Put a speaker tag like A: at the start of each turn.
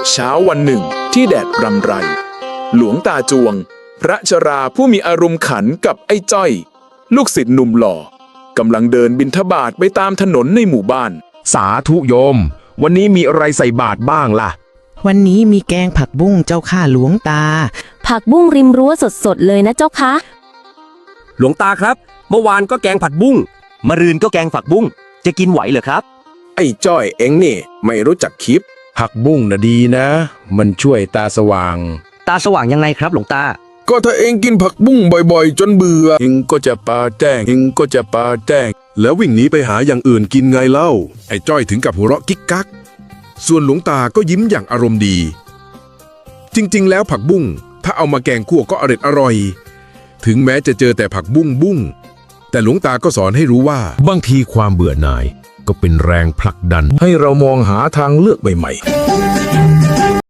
A: เช้าวันหนึ่งที่แดดรำไรหลวงตาจวงพระชราผู้มีอารมณ์ขันกับไอ้จ้อยลูกศิษย์หนุ่มหล่อกำลังเดินบิณฑบาตไปตามถนนในหมู่บ้าน
B: สาธุโยมวันนี้มีอะไรใส่บาตรบ้างล่ะ
C: วันนี้มีแกงผักบุ้งเจ้าข้าหลวงตา
D: ผักบุ้งริมรั้วสดๆเลยนะเจ้าคะ
E: หลวงตาครับเมื่อวานก็แกงผัดบุ้งมะรืนก็แกงผักบุ้งจะกินไหวเหรอครับ
A: ไอ้จ้อยเอ็งนี่ไม่รู้จักคิด
B: ผักบุ้งนะดีนะมันช่วยตาสว่าง
E: ตาสว่างยังไงครับหลวงตา
A: ก็ถ้าเอ็งกินผักบุ้งบ่อยๆจนเบื่อเอ็งก็จะปาแจ้ง
F: แล้ววิ่งหนีไปหาอย่างอื่นกินไงเล่าไอ้จ้อยถึงกับหัวเราะกิ๊กกักส่วนหลวงตาก็ยิ้มอย่างอารมณ์ดีจริงๆแล้วผักบุ้งถ้าเอามาแกงคั่วก็อร่อยถึงแม้จะเจอแต่ผักบุ้งแต่หลวงตาก็สอนให้รู้ว่า
G: บางทีความเบื่อหน่ายก็เป็นแรงผลักดันให้เรามองหาทางเลือกใหม่ๆ